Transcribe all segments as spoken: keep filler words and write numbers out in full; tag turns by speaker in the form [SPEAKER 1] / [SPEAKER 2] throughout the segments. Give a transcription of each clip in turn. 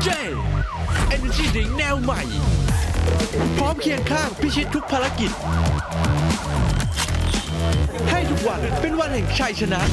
[SPEAKER 1] เจ Energy Drink แนวใหม่พร้อมเคียงข้างพิชิตทุกภารกิจให้ทุกวันเป็นวันแห่งชัยชนะ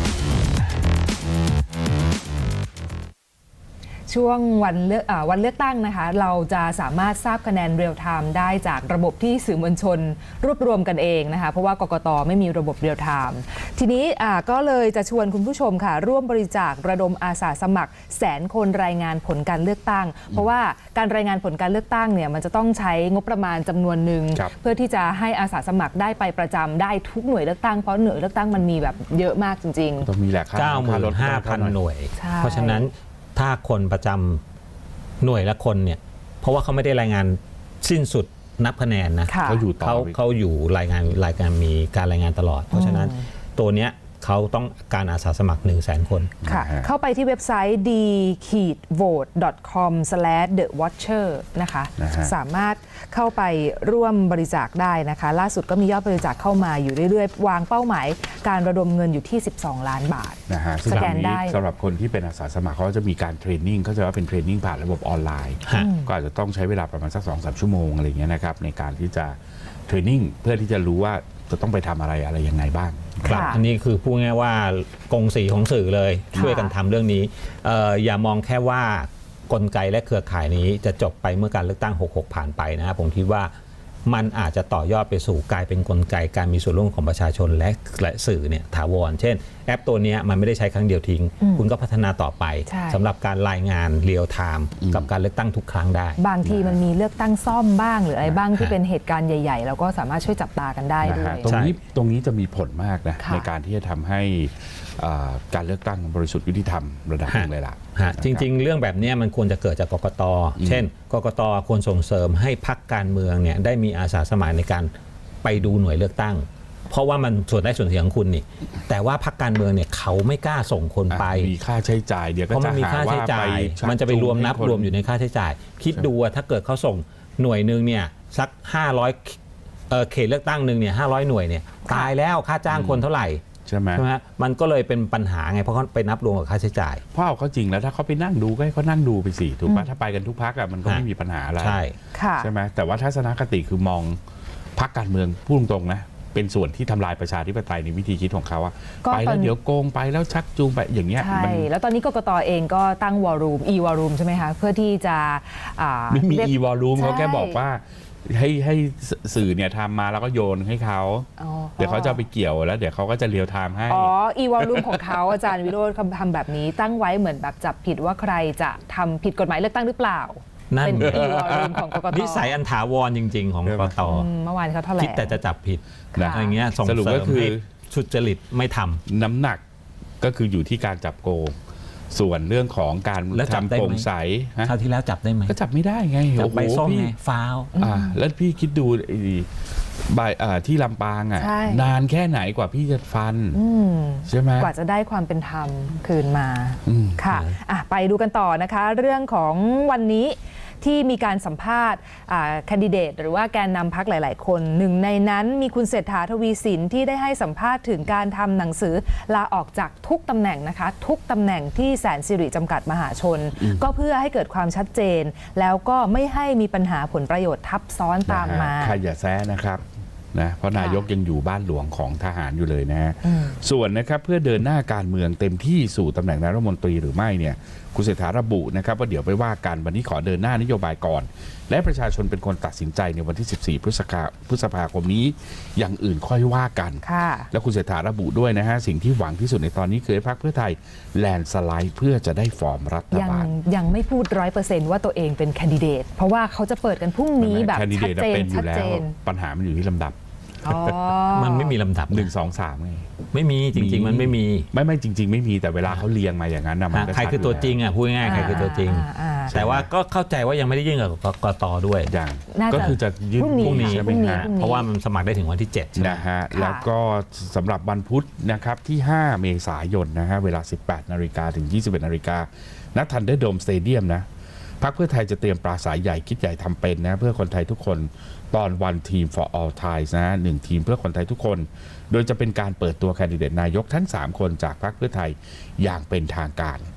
[SPEAKER 2] ช่วงวันเลือกอ่าวันเลือกตั้งนะคะเราจะสามารถทราบคะแนนเรียลไทม์ได้จากระบบที่สื่อมวลชนรวบรวมกันเองนะคะเพราะว่ากกต.ไม่มีระบบเรียลไทม์ทีนี้อ่าก็เลยจะชวนคุณผู้ชมค่ะร่วมบริจาคระดมอาสาสมัครแสนคนรายงานผลการเลือกตั้งเพราะว่าการรายงานผลการเลือกตั้งเนี่ยมันจะต้องใช้งบประมาณจำนวนหนึ่งเพื่อที่จะให้อาสาสมัครได้ไปประจำได้ทุกหน่วยเลือกตั้งเพราะหน่วยเลือกตั้งมันมีแบบเยอะมากจริงๆ
[SPEAKER 3] ต้องมีแหละ
[SPEAKER 4] เก้าหมื่นห้าพันหน่วยเพราะฉะนั้นถ้าคนประจำหน่วยละคนเนี่ยเพราะว่าเขาไม่ได้รายงานสิ้นสุดนับคะแนนนะ
[SPEAKER 3] เขาอยู่ต่อ
[SPEAKER 4] เขาเขาอยู่รายงานรายการมีการรายงานตลอดเพราะฉะนั้นตัวเนี้ยเขาต้องการอาสาสมัคร หนึ่งแสน คน
[SPEAKER 2] ค่ะเข้าไปที่เว็บไซต์ ดี โหวต ดอท คอม สแลช เดอะ วอชเชอร์ นะคะสามารถเข้าไปร่วมบริจาคได้นะคะล่าสุดก็มียอดบริจาคเข้ามาอยู่เรื่อยๆวางเป้าหมายการระดมเงินอยู่ที่สิบสองล้านบาท
[SPEAKER 3] นะฮะสแกนได้สำหรับคนที่เป็นอาสาสมัครเขาจะมีการเทรนนิ่งเขาจะว่าเป็นเทรนนิ่งผ่านระบบออนไลน์ก็อาจจะต้องใช้เวลาประมาณสัก สองถึงสาม ชั่วโมงอะไรอย่างเงี้ยนะครับในการที่จะเทรนนิ่งเพื่อที่จะรู้ว่าจะต้องไปทำอะไรอะไรยังไงบ้าง
[SPEAKER 4] ครับอันนี้คือพูดง่ายว่ากงสีของสื่อเลยช่วยกันทำเรื่องนี้เอ่ออย่ามองแค่ว่ากลไกและเครือข่ายนี้จะจบไปเมื่อการเลือกตั้งหกหกผ่านไปนะครับผมคิดว่ามันอาจจะต่อยอดไปสู่กลายเป็นกลไกการมีส่วนร่วมของประชาชนและและสื่อเนี่ยถาวรเช่นแอปตัวนี้มันไม่ได้ใช้ครั้งเดียวทิ้งคุณก็พัฒนาต่อไปสำหรับการรายงานเรียลไทม์กับการเลือกตั้งทุกครั้งได้
[SPEAKER 2] บางทีมันมีเลือกตั้งซ่อมบ้างหรืออะไรบ้างที่เป็นเหตุการณ์ใหญ่ๆเราก็สามารถช่วยจับตากันได้ด้วย
[SPEAKER 3] ตรงนี้ตรงนี้จะมีผลมากนะในการที่จะทำให้การเลือกตั้งบริสุทธิ์ยุติธรรมระดับหนึ่งเลยล่ะ
[SPEAKER 4] จริงๆเรื่องแบบนี้มันควรจะเกิดจากกกต.เช่นกกต.ควรส่งเสริมให้พรรคการเมืองเนี่ยได้มีอาสาสมัครในการไปดูหน่วยเลือกตั้งเพราะว่ามันส่วนได้ส่วนเสียของคุณนี่แต่ว่าพรรคการเมืองเนี่ยเขาไม่กล้าส่งคนไป
[SPEAKER 3] มีค่าใช้จ่ายเดี๋ยวก็จะหาว่าไป
[SPEAKER 4] มันจะไปรวมนับรวมอยู่ในค่าใช้จ่ายคิดดูว่าถ้าเกิดเขาส่งหน่วยนึงเนี่ยสักห้าร้อยเอ่อเขตเลือกตั้งนึงเนี่ยห้าร้อยหน่วยเนี่ยตายแล้วค่าจ้างคนเท่าไหร่
[SPEAKER 3] ใช่ไหม
[SPEAKER 4] มันก็เลยเป็นปัญหาไงเพราะเขาไปนับรวมกับค่าใช้จ่าย
[SPEAKER 3] เพราะเอาเขาจริงแล้วถ้าเขาไปนั่งดูก็ให้เขานั่งดูไปสิถูกปะถ้าไปกันทุกพักอ่ะมันก็ไม่มีปัญหาอะไร
[SPEAKER 4] ใช่
[SPEAKER 3] ใช่ไหมแต่ว่าทัศนคติคือมองพักการเมืองพูดตรงๆนะเป็นส่วนที่ทำลายประชาธิปไตยในวิธีคิดของเขาอะไปแล้วเดี๋ยวโกงไปแล้วชักจูงไปอย่างเงี้ย
[SPEAKER 2] ใช่แล้วตอนนี้กกต.เองก็ตั้งวอลลุ่ม e วอลลุ่มใช่ไหมคะเพื่อที่จะ
[SPEAKER 3] ไม่มี e วอลลุ่มเขาแค่บอกว่าให้ให้สื่อเนี่ยทำมาแล้วก็โยนให้เขาเดี๋ยวเขาจะไปเกี่ยวแล้วเดี๋ยวเขาก็จะเรียลไทม์ให้
[SPEAKER 2] อ๋อ e วอลลุ่มของเขาอาจารย์วิโรจน์ทำแบบนี้ตั้งไว้เหมือนแบบจับผิดว่าใครจะทำผิดกฎหมายเลือกตั้งหรือเปล่า
[SPEAKER 4] นั่น
[SPEAKER 2] เป็น e วอลลุ่มของกกต.
[SPEAKER 4] นิสัยอันถาวรจริงๆของกกต.
[SPEAKER 2] เมื่อวานเขาแถลง
[SPEAKER 4] คิดแต่จะจับผิดอะไรเงี้ยส่งเสริมให้สุจริตไม่ทำ
[SPEAKER 3] น้ำหนักก็คืออยู่ที่การจับโกงส่วนเรื่องของการทำโปร่งใส
[SPEAKER 4] คราวที่แล้วจับได้ไหม
[SPEAKER 3] ก็จับไม่ได้ไง
[SPEAKER 4] จับใบส้มไงฟาว
[SPEAKER 3] อ่าแล้วพี่คิดดูใบที่ลำปางอ่ะนานแค่ไหนกว่าพี่จะฟันใช่ไหม
[SPEAKER 2] กว่าจะได้ความเป็นธรรมคืนมาค่ะไปดูกันต่อนะคะเรื่องของวันนี้ที่มีการสัมภาษณ์แคนดิเดตหรือว่าแกนนำพรรคหลายๆคนหนึ่งในนั้นมีคุณเศรษฐาทวีสินที่ได้ให้สัมภาษณ์ถึงการทำหนังสือลาออกจากทุกตำแหน่งนะคะทุกตำแหน่งที่แสนสิริจำกัดมหาชนก็เพื่อให้เกิดความชัดเจนแล้วก็ไม่ให้มีปัญหาผลประโยชน์ทับซ้อนตามมา
[SPEAKER 3] ใครอย่าแซะนะครับนะเพราะนายกยังอยู่บ้านหลวงของทหารอยู่เลยนะฮะส่วนนะครับเพื่อเดินหน้าการเมืองเต็มที่สู่ตำแหน่งนายรัฐมนตรีหรือไม่เนี่ยคุณเศรษฐาระบุนะครับว่าเดี๋ยวไปว่ากันวันนี้ขอเดินหน้านโยบายก่อนและประชาชนเป็นคนตัดสินใจในวันที่สิบสี่พฤษภาพฤษภาคมนี้อย่างอื่นค่อยว่ากันแล้วคุณเศรษฐาระบุด้วยนะฮะสิ่งที่หวังที่สุดในตอนนี้คือให้พรรคเพื่อไทยแลนสไลด์เพื่อจะได้ฟอร์มรัฐบาล
[SPEAKER 2] ยังไม่พูดร้อยเปอร์เซนต์ว่าตัวเองเป็นแคนดิเดตเพราะว่าเขาจะเปิดกันพรุ่งนี้แบบชัดเจนชัดเจน
[SPEAKER 3] ปัญหามันอยู่ที่ลำดับ
[SPEAKER 4] มันไม่มีลำดับ
[SPEAKER 3] หนึ่งสองสามไง
[SPEAKER 4] ไม่มีจริงๆมันไม่มี
[SPEAKER 3] ไม่ไม่จริงๆไม่มีแต่เวลาเขาเรียงมาอย่างนั้นนะ
[SPEAKER 4] ใครคือตัวจริงอ่ะพูดง่ายๆใครคือตัวจริงแต่ว่าก็เข้าใจว่ายังไม่ได้ยื่นกับกกต.ด้วย
[SPEAKER 3] อย่างก็คือจะยื่นพรุ่งนี้ใช่ไหมฮะ
[SPEAKER 4] เพราะว่ามันสมัครได้ถึงวันที่เจ็ด
[SPEAKER 3] นะฮะแล้วก็สำหรับวันพุธนะครับที่ห้าเมษายนนะฮะเวลาสิบแปดนาฬิกาถึงยี่สิบเอ็ดนาฬิกาณทันเดอร์โดมสเตเดียมนะพรรคเพื่อไทยจะเตรียมปราศรัยใหญ่คิดใหญ่ทำเป็นนะเพื่อคนไทยทุกคนตอนวันทีม for all Thais นะหนึ่งทีมเพื่อคนไทยทุกคนโดยจะเป็นการเปิดตัวแคนดิเดตนายกทั้งสามคนจากพรรคเพื่อไทยอย่างเป็นทางการ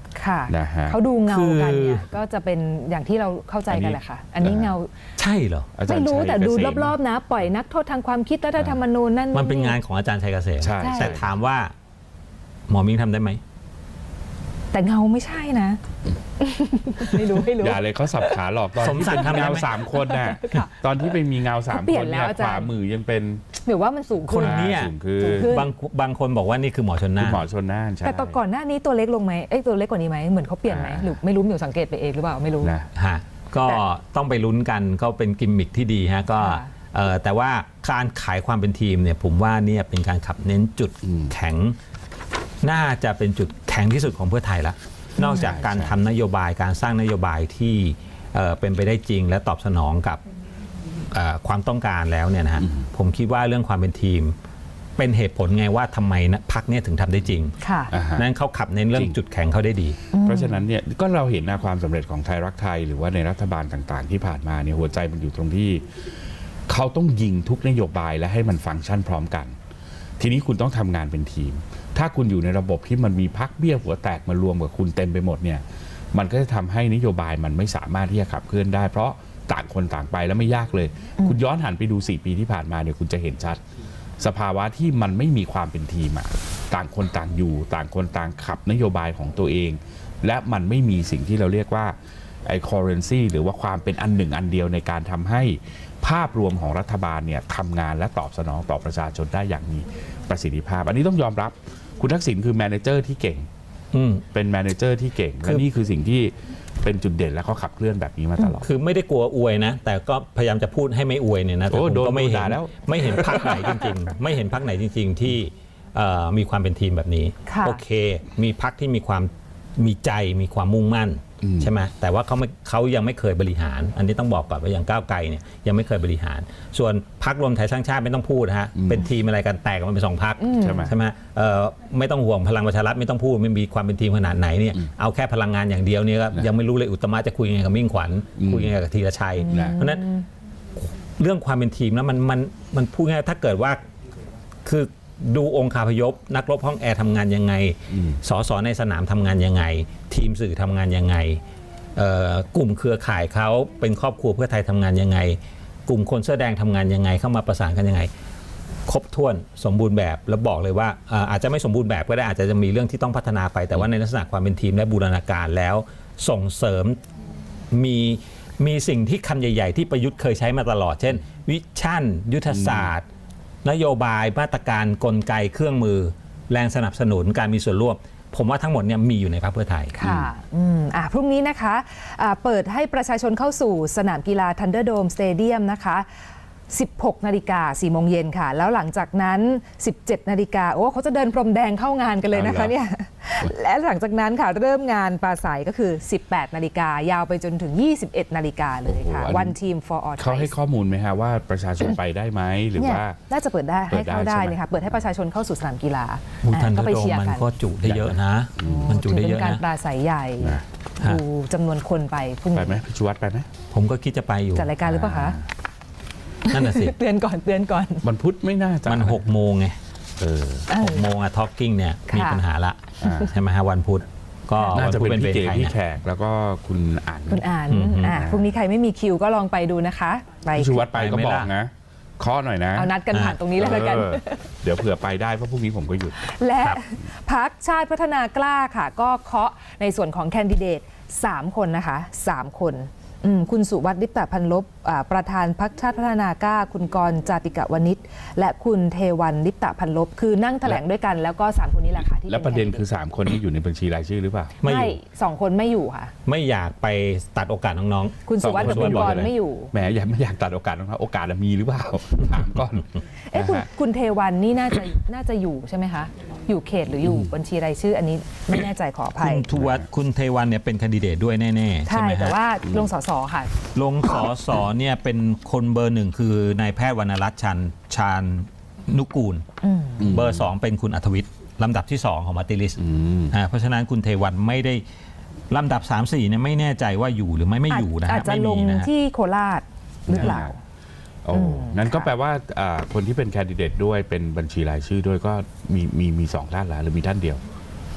[SPEAKER 2] ค่ะ
[SPEAKER 3] นะฮะ
[SPEAKER 2] เขาดูเงา
[SPEAKER 4] คือ
[SPEAKER 2] กันเนี่ยก็จะเป็นอย่างที่เราเข้าใจกันแหละค่ะ อันนี้เงา
[SPEAKER 4] ใช่เหรอ
[SPEAKER 3] อาจาร
[SPEAKER 2] ไม่
[SPEAKER 3] ย์
[SPEAKER 2] รู้
[SPEAKER 3] ชัย
[SPEAKER 2] แต่ดู
[SPEAKER 3] เกษม
[SPEAKER 2] รอบๆนะ ปล่อยนักโทษทางความคิดรัฐธรรมนูญนั่น
[SPEAKER 4] มันเป็นงานของอาจารย์ชัยเกษม
[SPEAKER 3] ใช่
[SPEAKER 4] แต่ถามว่าหมอมิ้งทำได้ไหม
[SPEAKER 2] แต่เงาไม่ใช่นะ ไม่รู้ไม่รู้
[SPEAKER 3] อย่าเลยเขาสับขาหลอกตอน
[SPEAKER 4] สม
[SPEAKER 3] ที่
[SPEAKER 4] ศักดิ์
[SPEAKER 3] เป็น
[SPEAKER 4] ทำได้
[SPEAKER 3] เงา
[SPEAKER 4] ไหม
[SPEAKER 3] สามคนน่ะ
[SPEAKER 2] ค่ะ
[SPEAKER 3] ตอนที่ไปมีเงาสาม
[SPEAKER 2] เขาเปลี่
[SPEAKER 3] ค
[SPEAKER 2] ยน
[SPEAKER 3] น
[SPEAKER 2] แล้
[SPEAKER 3] เนี่
[SPEAKER 2] วย อาจารย์
[SPEAKER 3] ขวามือยังเป็น
[SPEAKER 2] หรือว่ามันสูง
[SPEAKER 4] คน
[SPEAKER 2] ขึ้น
[SPEAKER 4] เนี้ย
[SPEAKER 3] สูงคือ
[SPEAKER 2] สูงขึ้น
[SPEAKER 4] บางบางคนบอกว่านี่คือหมอชน
[SPEAKER 3] คุ
[SPEAKER 4] น่า
[SPEAKER 3] ณ
[SPEAKER 4] น
[SPEAKER 3] หมอชนน่านใช่
[SPEAKER 2] แต่ตอนก่อนหน้านี้ตัวเล็กลงไหมเอ้ยตัวเล็กกว่านี้ไหมเหมือนเขาเปลี่ยนไหม
[SPEAKER 3] อ่า
[SPEAKER 2] หรือไม่รู้มิวสังเกตไปเองหรือเปล่าไม่รู้
[SPEAKER 3] นะ
[SPEAKER 4] ฮะก็
[SPEAKER 2] แต่
[SPEAKER 4] ต้องไปลุ้นกันก็เป็นกิมมิคที่ดีฮะก็
[SPEAKER 2] ค่ะ
[SPEAKER 4] เอ่อแต่ว่าการขายความเป็นทีมเนี่ยผมว่าเนี่ยเป็นการขับเน้นจุด
[SPEAKER 3] อืม
[SPEAKER 4] แข็ง น่าจะเป็นจุดแข็งที่สุดของเพื่อไทยละนอกจากการ
[SPEAKER 3] ใช่
[SPEAKER 4] ทำนโยบายการสร้างนโยบายที่เอ่อเป็นไปได้จริง และตอบสนองกับเอ่อความต้องการแล้วเนี่ยนะฮะผมคิดว่าเรื่องความเป็นทีม เป็นเหตุผลไงว่าทำไมนะพรรคเนี่ยถึงทำได้จริง
[SPEAKER 2] ค่ะ
[SPEAKER 3] อ่าฮะ
[SPEAKER 4] นั้นเขาขับเน้นเรื่อง
[SPEAKER 3] จริง
[SPEAKER 4] จุดแข็งเขาได้ดี
[SPEAKER 3] เพราะฉะนั้นเนี่ยก็เราเห็นนะความสำเร็จของไทยรักไทยหรือว่าในรัฐบาลต่างๆ ที่ผ่านมาเนี่ยหัวใจมันอยู่ตรงที่เขาต้องยิงทุกนโยบายและให้มันฟังก์ชันพร้อมกัน ทีนี้คุณต้องทำงานเป็นทีม ถ้าคุณอยู่ในระบบที่มันมีพักเบี้ยหัวแตกมารวมกับคุณเต็มไปหมดเนี่ยมันก็จะทำให้นโยบายมันไม่สามารถที่จะขับเคลื่อนได้ เพราะต่างคนต่างไปแล้วไม่ยากเลย คุณย้อนหันไปดูสี่ปีที่ผ่านมาเนี่ยคุณจะเห็นชัด สภาวะที่มันไม่มีความเป็นทีมอะต่างคนต่างอยู่ ต่างคนต่างขับนโยบายของตัวเอง และมันไม่มีสิ่งที่เราเรียกว่าไอ้ currency หรือว่าความเป็นอันหนึ่งอันเดียวในการทำให้ภาพรวมของรัฐบาลเนี่ยทำงานและตอบสนองต่อประชาชนได้อย่างมีประสิทธิภาพ อันนี้ต้องยอมรับคุณทักษิณคือแมเนเจอร์ที่เก่ง
[SPEAKER 4] อืม
[SPEAKER 3] เป็นแมเนเจอร์ที่เก่ง และนี่คือสิ่งที่เป็นจุดเด่นและเขาขับเคลื่อนแบบนี้มาตลอด
[SPEAKER 4] คือไม่ได้กลัวอวยนะ แต่ก็พยายามจะพูดให้ไม่อวยเนี่ยนะแต่
[SPEAKER 3] โอ้
[SPEAKER 4] ผม
[SPEAKER 3] โดน
[SPEAKER 4] ก็ไม่เห็
[SPEAKER 3] ด่าน แล้ว
[SPEAKER 4] ไม่เห็นพักไหนจริงๆ ไม่เห็นพักไหนจริง ๆ ที่เอ่อมีความเป็นทีมแบบนี้
[SPEAKER 2] ค่ะ
[SPEAKER 4] โอเค มีพักที่มีความมีใจมีความมุ่งมั่น
[SPEAKER 3] อืม
[SPEAKER 4] ใช่ไหมแต่ว่าเขาไม่เขายังไม่เคยบริหาร อันนี้ต้องบอกก่อนว่าอย่างก้าวไกลเนี่ยยังไม่เคยบริหาร ส่วนพักรวมไทยสร้างชาติไม่ต้องพูดนะฮะเป็นทีมอะไรกันแตกกันมันเป็นสองพัก
[SPEAKER 3] ใช่ไหม
[SPEAKER 4] ใช่ไหมเอ่อไม่ต้องห่วงพลังประชารัฐไม่ต้องพูดไม่มีความเป็นทีมขนาดไหนเนี่ยเอาแค่พลังงานอย่างเดียวเนี่ยก็ยังไม่รู้เลยอุตตมะจะคุยยังไงกับมิ่งขวัญ
[SPEAKER 3] อืม
[SPEAKER 4] คุยยังไงกับธีรชัย
[SPEAKER 3] นะ
[SPEAKER 4] เพราะฉะนั้นเรื่องความเป็นทีมแล้วมันมันมันพูดง่ายๆถ้าเกิดว่าคือดูองค์คาพยพ นักรบห้องแอร์ทำงานยังไง
[SPEAKER 3] อืม
[SPEAKER 4] สสในสนามทำงานยังไง ทีมสื่อทำงานยังไงเอ่อกลุ่มเครือข่ายเขาเป็นครอบครัวเพื่อไทยทำงานยังไง กลุ่มคนเสื้อแดงทำงานยังไง เข้ามาประสานกันยังไง ครบถ้วนสมบูรณ์แบบแล้วบอกเลยว่าเอ่ออาจจะไม่สมบูรณ์แบบก็ได้อาจจะมีเรื่องที่ต้องพัฒนาไป แต่ว่าในลักษณะความเป็นทีมและบูรณาการแล้วส่งเสริมมีมีสิ่งที่คำใหญ่ ๆ ที่ประยุทธ์เคยใช้มาตลอด เช่น วิชั่น ยุทธศาสตร์ นโยบายมาตรการกลไกเครื่องมือ แรงสนับสนุนการมีส่วนร่วม ผมว่าทั้งหมดเนี่ยมีอยู่ในพรรคเพื่อไทย
[SPEAKER 2] ค่ะอืมอ่ะพรุ่งนี้นะคะอ่าเปิดให้ประชาชนเข้าสู่สนามกีฬา Thunderdome Stadium นะคะ สิบหกนาฬิกาสี่โมงเย็นค่ะ แล้วหลังจากนั้น สิบเจ็ดนาฬิกาโอ้เขาจะเดินพรมแดงเข้างานกันเลยนะคะ
[SPEAKER 3] เอาเหรอ
[SPEAKER 2] เนี่ย และหลังจากนั้นค่ะ เริ่มงานปราศัยก็คือ สิบแปดนาฬิกายาวไปจนถึง ยี่สิบเอ็ดนาฬิกาเลยค่ะ
[SPEAKER 3] โอ้โหอันนี้
[SPEAKER 2] One Team for All
[SPEAKER 3] เขาให้
[SPEAKER 2] Thais
[SPEAKER 3] ข้อมูลไหมฮะว่าประชาชนไปได้ไหมหรือ
[SPEAKER 2] เนี่ย
[SPEAKER 3] ว่า
[SPEAKER 2] น่าจะเปิดได้
[SPEAKER 3] เปิ
[SPEAKER 2] ให้
[SPEAKER 3] ดได้
[SPEAKER 2] เข้าได้
[SPEAKER 3] ใช่ไหม
[SPEAKER 2] เลยค่ะ เปิดให้ประชาชนเข้าสู่สนามกีฬา
[SPEAKER 4] มูทัน
[SPEAKER 2] ก็
[SPEAKER 4] เด
[SPEAKER 2] ไป
[SPEAKER 4] โด
[SPEAKER 2] เชียร์
[SPEAKER 4] มัน
[SPEAKER 2] กัน
[SPEAKER 4] ก็จุได้เยอะนะ มันจุได้เย
[SPEAKER 2] ถื
[SPEAKER 4] อะ
[SPEAKER 2] เป็นการ
[SPEAKER 4] นะ
[SPEAKER 2] ปราศัยใหญ่
[SPEAKER 3] นะ
[SPEAKER 2] ดูจำนวนคนไปพรุ่ง
[SPEAKER 3] ไป
[SPEAKER 2] นี้
[SPEAKER 3] ไหมพิชวัตรไปไหม
[SPEAKER 4] ผมก็คิดจะไปอยู่
[SPEAKER 2] จัดรายการหรือเปล่าคะ
[SPEAKER 4] นั่นน่ะสิ
[SPEAKER 2] เตือนก่อนเตือนก่อน
[SPEAKER 3] มันพุธไม่น่าจะ
[SPEAKER 4] มันหกโมงไง
[SPEAKER 3] เออ
[SPEAKER 4] หกโมงอะทอ l กิ้งเนี่ย
[SPEAKER 2] ค่ะ
[SPEAKER 4] มีปัญหาละ
[SPEAKER 3] อ่า
[SPEAKER 4] ใช่ไหมฮะวันพุธก็
[SPEAKER 3] น่า
[SPEAKER 4] วัน
[SPEAKER 3] จะ
[SPEAKER 4] พุธ
[SPEAKER 3] เป็น
[SPEAKER 4] เป็นเว
[SPEAKER 3] พี่
[SPEAKER 4] ร
[SPEAKER 3] เก๋
[SPEAKER 4] ไทย
[SPEAKER 3] พี่
[SPEAKER 4] นะ
[SPEAKER 3] แขกแล้วก็คุณอ่าน
[SPEAKER 2] คุณอ่าน
[SPEAKER 4] อืม
[SPEAKER 2] อ่ะพรุ่งนี้ใครไม่มีคิวก็ลองไปดูนะคะไป
[SPEAKER 3] พิชวัตรไปก็
[SPEAKER 4] ไปไหม
[SPEAKER 3] บอก
[SPEAKER 4] ล่ะ
[SPEAKER 3] นะเคาะหน่อยนะ
[SPEAKER 2] เอานัดกันผ่านตรงนี้เลยแล้วกัน
[SPEAKER 3] เออเดี๋ยวเผื่อไปได้เพราะพรุ่งนี้ผมก็หยุด
[SPEAKER 2] และพักชาติพัฒนากล้าค่ะ ก็เคาะในส่วนของแคนดิเดต สาม คนนะคะสามคนอืมคุณสุวัฒน์ลิปตพันลบอ่าประธานพรรคชาติพัฒนากล้า คุณกรณ์จาติกะวณิชและคุณเทวันลิปตพันลบคือนั่งแถลงด้วยกันแล้วก็สามคนนี้แหละค่ะที่
[SPEAKER 3] แล้วประเด็นคือ
[SPEAKER 2] แ
[SPEAKER 3] สาม คนนี้อยู่ในบัญชีรายชื่อหรือเปล่า
[SPEAKER 4] ไม่
[SPEAKER 2] ไม่
[SPEAKER 4] อยู่
[SPEAKER 2] สองคนไม่อยู่ค่ะ
[SPEAKER 4] ไม่อยากไปตัดโอกาสน้อง
[SPEAKER 2] คุณสุวัฒน์กับคุณกรณ์ไม่อยู่
[SPEAKER 3] แหมอยากไม่อยากตัดโอกาสนะครับโอกาสอะมีหรือเปล่า ถามก่อน
[SPEAKER 2] เอ๊ะคุณ
[SPEAKER 3] นะฮะ
[SPEAKER 2] คุณเทวันนี่น่าจะน่าจะอยู่ใช่ไหมคะ อยู่เขตหรืออยู่บัญชีรายชื่ออันนี้ไม่แน่ใจขออ
[SPEAKER 4] ๆ
[SPEAKER 2] ภั
[SPEAKER 4] คุ
[SPEAKER 2] ย
[SPEAKER 4] ณทวัฒน์คุณเทวันเนี่ยเป็นแคนดิเดตด้วยแน่ๆ ใช่
[SPEAKER 2] ใช่
[SPEAKER 4] ไหม
[SPEAKER 2] แต่
[SPEAKER 4] ฮะ
[SPEAKER 2] ว่าลงสสค่ะ
[SPEAKER 4] ลงสอสอเนี่ยเป็นคนเบอร์หนึ่งคือนายแพทย์วรรณรัตน์ชันชาญนุกูล
[SPEAKER 2] อืม
[SPEAKER 4] เบอร์สองเป็นคุณอัธวิทย์ลำดับที่สองของมาติลิส
[SPEAKER 3] อืม
[SPEAKER 4] อ่าเพราะฉะนั้นคุณเทวันไม่ได้ลำดับ สาม สี่เนี่ยไม่แน่ใจว่าอยู่หรือไม่ไม่อยู่นะ
[SPEAKER 2] อา
[SPEAKER 4] ฮะ
[SPEAKER 2] จจะ
[SPEAKER 4] ไม่
[SPEAKER 2] ล
[SPEAKER 4] มี
[SPEAKER 2] ง
[SPEAKER 4] นะฮะ
[SPEAKER 2] ที่โคราชหรือเปล่า
[SPEAKER 3] โอ้
[SPEAKER 2] อืม
[SPEAKER 3] นั้นก็
[SPEAKER 2] ค่ะ
[SPEAKER 3] แปลว่าอ่าคนที่เป็นแคนดิเดตด้วยเป็นบัญชีรายชื่อด้วยก็มีมีมีสองท่านละหรือมีท่านเดียว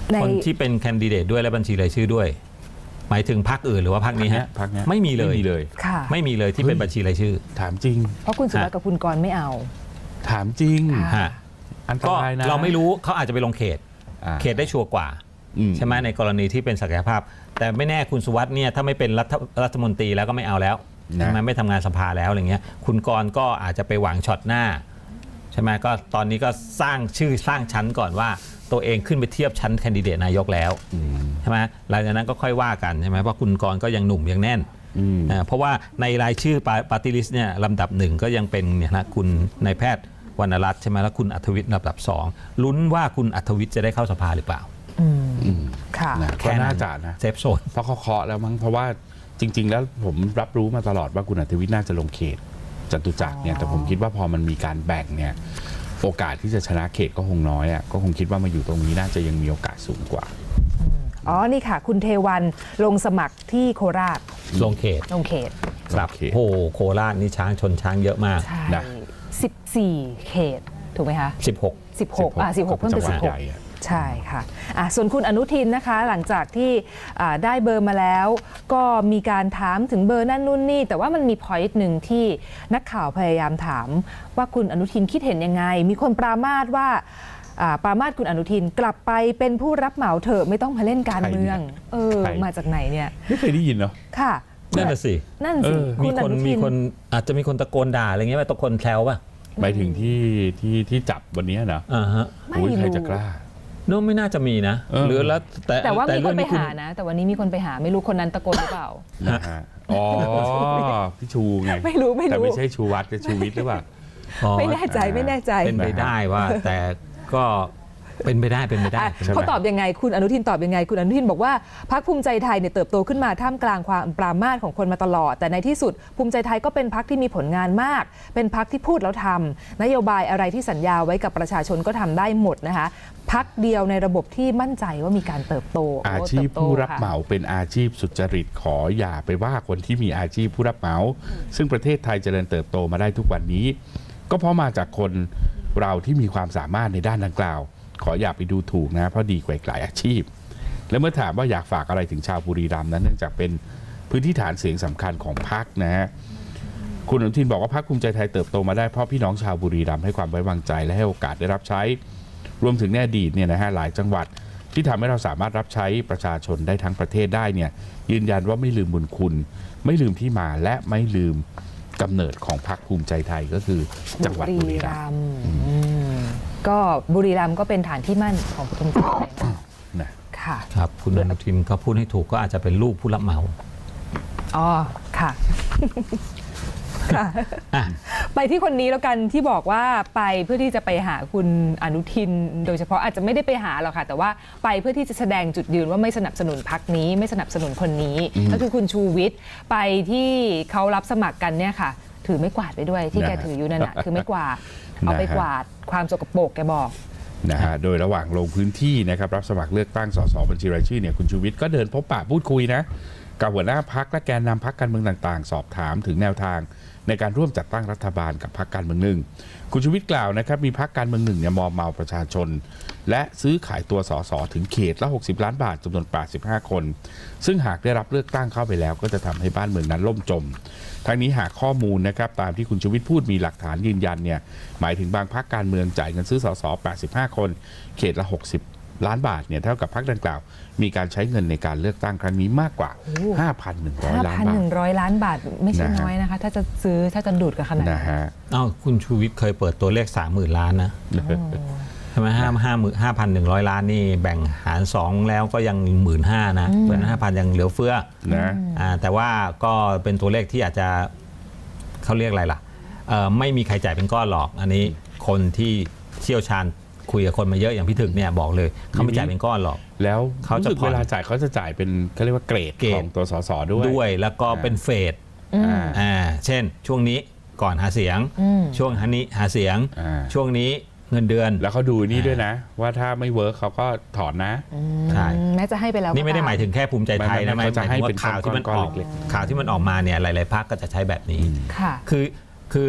[SPEAKER 2] ใน
[SPEAKER 4] คนที่เป็นแคนดิเดตด้วยและบัญชีรายชื่อด้วย หมายถึงพรรคอื่นหรือว่าพรรคนี้ฮะ
[SPEAKER 3] พรรคเนี้ย
[SPEAKER 4] ไม่มีเลย
[SPEAKER 3] ไม่มีเลย
[SPEAKER 2] ค่ะ
[SPEAKER 4] ไม่มีเลยที่เป็นบัญชีรายชื่อ
[SPEAKER 3] ถามจริง
[SPEAKER 2] เพราะคุณสุวัสดิ์กับคุณกรณ์ไม่เอา
[SPEAKER 3] ถามจริง
[SPEAKER 2] ค่ะ
[SPEAKER 4] ฮะ
[SPEAKER 3] อันต
[SPEAKER 4] ก็
[SPEAKER 3] รายนะ
[SPEAKER 4] เราไม่รู้เขาอาจจะไปลงเขต
[SPEAKER 3] อ่า
[SPEAKER 4] เขตได้ชัวร์กว่า
[SPEAKER 3] อื
[SPEAKER 4] ใช่ไหมในกรณีที่เป็นศักยภาพ แต่ไม่แน่คุณสุวัสด์เนี่ยถ้าไม่เป็นรัฐรัฐมนตรีแล้วก็ไม่เอาแล้วใช่ไหมไม่ทำงานสภาแล้วอะไรเงี้ยคุณกรณ์ก็อาจจะไปหวังช็อตหน้าใช่ไหมก็ตอนนี้ก็สร้างชื่อสร้างชั้นก่อนว่าตัวเองขึ้นไปเทียบชั้นแคนดิเดตนายกแล้ว
[SPEAKER 3] อืม
[SPEAKER 4] ใช่ไหมหลังจากนั้นก็ค่อยว่ากันใช่ไหมเพราะคุณกรณ์ก็ยังหนุ่มยังแน่น
[SPEAKER 3] อืม
[SPEAKER 4] อ่าเพราะว่าในรายชื่อปาร์ตี้ลิสต์เนี่ยลำดับหนึ่งก็ยังเป็นเนี่ยนะคุณนายแพทย์วรรณรัตน์ใช่ไหมแล้วคุณอัธวิทย์ลำดับสองลุ้นว่าคุณอัธวิทย์จะได้เข้าสภาหรือเปล่า
[SPEAKER 2] อืม
[SPEAKER 3] อืม
[SPEAKER 2] ค่ะ
[SPEAKER 3] นะ
[SPEAKER 4] แค่
[SPEAKER 3] ก็
[SPEAKER 4] นั้น
[SPEAKER 3] น่าจะนะ
[SPEAKER 4] เซฟโซน
[SPEAKER 3] เพราะเขาเคาะแล้วมั้งเพราะว่าจริง ๆ แล้วผมรับรู้มาตลอดว่าคุณอัธวิทย์น่าจะลงเขตจตุจักรเนี่ย
[SPEAKER 2] อ๋อ
[SPEAKER 3] แต่ผมคิดว่าพอมันมีการแบ่งเนี่ยโอกาสที่จะชนะเขตก็คงน้อยอ่ะก็คงคิดว่ามาอยู่ตรงนี้น่าจะยังมีโอกาสสูงกว่า
[SPEAKER 2] อ๋อ นี่ค่ะ คุณเทวันลงสมัครที่โคราช
[SPEAKER 4] ลงเขต
[SPEAKER 2] ลงเขต
[SPEAKER 4] ครับ
[SPEAKER 3] โอเค
[SPEAKER 4] โอ้โหโคราชนี่ช้างชนช้างเยอะมาก
[SPEAKER 2] ใช่
[SPEAKER 3] นะ
[SPEAKER 2] สิบสี่เขต ถูกไหมคะ
[SPEAKER 4] สิบหก
[SPEAKER 2] สิบหกอ่ะสิบหกเพิ่มเป็น
[SPEAKER 3] จั
[SPEAKER 2] สิ
[SPEAKER 3] ง
[SPEAKER 2] บ
[SPEAKER 3] ห
[SPEAKER 2] ห
[SPEAKER 3] วัด
[SPEAKER 2] ก
[SPEAKER 3] ใหญ่อะ
[SPEAKER 2] ใช่ค่ะอ่ะ ส่วนคุณอนุทินนะคะ หลังจากที่อ่าได้เบอร์มาแล้ว ก็มีการถามถึงเบอร์นั่นนู่นนี่ แต่ว่ามันมีพอยต์หนึ่งที่นักข่าวพยายามถามว่าคุณอนุทินคิดเห็นยังไง มีคนปรามาสว่าอ่าปรามาสคุณอนุทินกลับไปเป็นผู้รับเหมาเถอะไม่ต้องมาเล่นการเมือง เออ
[SPEAKER 3] ใคร
[SPEAKER 2] มาจากไหนเนี่ย
[SPEAKER 3] ไม่เคยได้ยินเนาะ
[SPEAKER 2] ค่ะ
[SPEAKER 4] นั่นน่ะสิ
[SPEAKER 2] นั่นสิ
[SPEAKER 3] เออ
[SPEAKER 4] มี
[SPEAKER 2] ณ
[SPEAKER 4] คน
[SPEAKER 2] อทิ
[SPEAKER 4] มีคนอาจจะมีคนตะโกนด่าอะไรเงี้ยไปตะโกนแซวป่ะ
[SPEAKER 3] หมายถึงที่ที่ที่จับวันนี้นะ
[SPEAKER 4] อ่าฮะ
[SPEAKER 2] ไม่
[SPEAKER 3] อุ้ยใคร
[SPEAKER 2] รู้
[SPEAKER 3] จะกล้า
[SPEAKER 4] โน้ไม่น่าจะมีนะ
[SPEAKER 3] เออ
[SPEAKER 4] หรือแล้วแต่
[SPEAKER 2] แต่ว่ามีคน
[SPEAKER 4] เรื่อง
[SPEAKER 2] ไป
[SPEAKER 4] คุณ
[SPEAKER 2] หานะ แต่วันนี้มีคนไปหาไม่รู้คนนั้นตะโกนหรือเปล่า
[SPEAKER 3] นะฮะอ๋อพี่ชูไง
[SPEAKER 2] ไม่รู้ไม่รู้
[SPEAKER 3] แต่ไม่ใช่ชูวัฒน์กับชูวิทย์หรือเปล่า
[SPEAKER 4] อ๋อ
[SPEAKER 2] ไม่แน่ใจไม่แน่ใจ
[SPEAKER 4] เป็นไปได้ว่า แต่ก็เป็นไปได้เป็นไปได้
[SPEAKER 2] อ่ะ
[SPEAKER 3] ใช่ไหม
[SPEAKER 2] เขาตอบยังไงคุณอนุทินตอบยังไง คุณอนุทินบอกว่าพรรคภูมิใจไทยเนี่ยเติบโตขึ้นมาท่ามกลางความปรามาสของคนมาตลอด แต่ในที่สุดภูมิใจไทยก็เป็นพรรคที่มีผลงานมาก เป็นพรรคที่พูดแล้วทำนโยบายอะไรที่สัญญาไว้กับประชาชนก็ทำได้หมดนะคะพรรคเดียวในระบบที่มั่นใจว่ามีการเติบโต
[SPEAKER 3] อาชีพ
[SPEAKER 2] โเติบโต
[SPEAKER 3] ผู้รับ
[SPEAKER 2] ค่ะ
[SPEAKER 3] เหมาเป็นอาชีพสุจริตขออย่าไปว่าคนที่มีอาชีพผู้รับเหมา ซึ่งประเทศไทยเจริญเติบโตมาได้ทุกวันนี้ ก็เพราะมาจากคนเราที่มีความสามารถในด้านดังกล่าว ขออย่าไปดูถูกนะเพราะดีกว่าอีกหลายอาชีพ และเมื่อถามว่าอยากฝากอะไรถึงชาวบุรีรัมย์นั้นเนื่องจากเป็นพื้นที่ฐานเสียงสำคัญของพรรคนะฮะคุณอนุทินบอกว่าพรรคภูมิใจไทยเติบโตมาได้เพราะพี่น้องชาวบุรีรัมย์ให้ความไว้วางใจและให้โอกาสได้รับใช้ รวมถึงในอดีตเนี่ยนะฮะหลายจังหวัดที่ทำให้เราสามารถรับใช้ประชาชนได้ทั้งประเทศได้เนี่ยยืนยันว่าไม่ลืมบุญคุณ ไม่ลืมที่มาและไม่ลืมกำเนิดของพรรคภูมิใจไทยก็คือจังหวัดบุรีรัมย์
[SPEAKER 2] มย์อืมก็บุรีรัมย์ก็เป็นฐานที่มั่นของภูมิใจไทยนะ
[SPEAKER 3] นะ
[SPEAKER 2] ค่ะ
[SPEAKER 4] ครับคุณอนุทินเขาพูดให้ถูกก็อาจจะเป็นลูกผู้รับเหมา
[SPEAKER 2] อ๋อ ค่ะ ค่ะ
[SPEAKER 4] อ่ะ
[SPEAKER 2] ไปที่คนนี้แล้วกันที่บอกว่าไปเพื่อที่จะไปหาคุณอนุทิน โดยเฉพาะอาจจะไม่ได้ไปหาหรอกค่ะ แต่ว่าไปเพื่อที่จะแสดงจุดยืนว่าไม่สนับสนุนพรรคนี้ ไม่สนับสนุนคนนี้ ก็คือคุณชูวิทย์ไปที่เขารับสมัครกันเนี่ยค่ะ ถือไม่กวาดไปด้วยที่แก
[SPEAKER 3] นะฮะ
[SPEAKER 2] ถืออยู่นั่นนะคือไม่กวาดเอาไป
[SPEAKER 3] นะฮะ
[SPEAKER 2] กวาดความสกปรกแกบอก
[SPEAKER 3] นะฮะโดยระหว่างลงพื้นที่นะครับรับสมัครเลือกตั้งสสบัญชีรายชื่อเนี่ยคุณชูวิทย์ก็เดินพบปะพูดคุยนะกับหัวหน้าพักและแกนนำพักการเมืองต่างๆ สอบถามถึงแนวทางในการร่วมจัดตั้งรัฐบาลกับพักการเมืองหนึ่งคุณชูวิทย์กล่าวนะครับมีพักการเมืองหนึ่งเนี่ยมอมเมาประชาชน และซื้อขายตัวสสถึงเขตละหกสิบล้านบาทจำนวนแปดสิบห้าคน ซึ่งหากได้รับเลือกตั้งเข้าไปแล้ว ก็จะทำให้บ้านเมืองนั้นล่มจม ทั้งนี้หากข้อมูลนะครับตามที่คุณชูวิทย์พูดมีหลักฐานยืนยันเนี่ยหมายถึงบางพรรคการเมืองจ่ายเงินซื้อสสแปดสิบห้าคน เขตละหกสิบล้านบาทเนี่ยเท่ากับพรรคดังกล่าว มีการใช้เงินในการเลือกตั้งครั้งนี้มากกว่า ห้าพันหนึ่งร้อย ล้านบาท
[SPEAKER 2] ห้าพันหนึ่งร้อย ล้านบาทไม่ใช่
[SPEAKER 3] นะฮะ
[SPEAKER 2] น้อยนะคะ ถ้าจะซื้อถ้าจะดูดกันขนาด
[SPEAKER 3] นะ
[SPEAKER 2] นั้น
[SPEAKER 3] ฮะ
[SPEAKER 4] เอ้าคุณชูวิทย์เคยเปิดตัวเลขสามหมื่นล้านนะใช่ไหมห้าห้าหมื่นห้าพันหนึ่งร้อยล้านนี่แบ่งหารสองแล้วก็ยังหมื่นห้านะเพราะฉะนั้นห้าพันยังเหลือเฟือ
[SPEAKER 3] นะ
[SPEAKER 4] อ่าแต่ว่าก็เป็นตัวเลขที่อาจจะเขาเรียกอะไรล่ะเอ่อไม่มีใครจ่ายเป็นก้อนหรอก อันนี้คนที่เชี่ยวชาญคุยกับคนมาเยอะอย่างพี่ถึกเนี่ยบอกเลยเขาไม่จ่ายเป็นก้อนหรอก
[SPEAKER 3] แล้ว
[SPEAKER 4] เขาจะ
[SPEAKER 3] รู้สึก
[SPEAKER 4] ผ่อน
[SPEAKER 3] เวลาจ่ายเขาจะจ่ายเป็นเขาเรียกว่าเกรด
[SPEAKER 4] เกรด
[SPEAKER 3] ของตัวสสด้วย
[SPEAKER 4] ด้วยแล้วก็เป็นเฟส
[SPEAKER 3] อ่า
[SPEAKER 4] อ่าเช่น ช่วงนี้ก่อนหาเสียง
[SPEAKER 2] อืม
[SPEAKER 4] ช่วงฮันนี้หาเสียง
[SPEAKER 3] อ่า
[SPEAKER 4] ช่วงนี้เงินเดือน
[SPEAKER 3] แล้วเขาดูนี่ด้วยนะ ว่าถ้าไม่เวิร์กเขาก็ถอนนะ
[SPEAKER 4] ใช่
[SPEAKER 2] แม้จะให้ไปแล้ว
[SPEAKER 4] นี่ไม่ได้
[SPEAKER 2] ก็ต
[SPEAKER 4] หมายถึงแค่ภูมิใจไทยนะ
[SPEAKER 3] ไม่
[SPEAKER 4] ห
[SPEAKER 3] ไม่
[SPEAKER 4] มาย
[SPEAKER 3] เขาจะให้
[SPEAKER 4] ถึงว่า
[SPEAKER 3] เป็น
[SPEAKER 4] ข่าวที่มัน
[SPEAKER 3] ก้
[SPEAKER 4] อ
[SPEAKER 3] อน
[SPEAKER 4] อก
[SPEAKER 3] ๆเล็ก
[SPEAKER 4] ข่าวที่มันออกมาเนี่ยหลาย ๆพรรคก็จะใช้แบบนี้
[SPEAKER 2] ค่ะ
[SPEAKER 4] คือคือ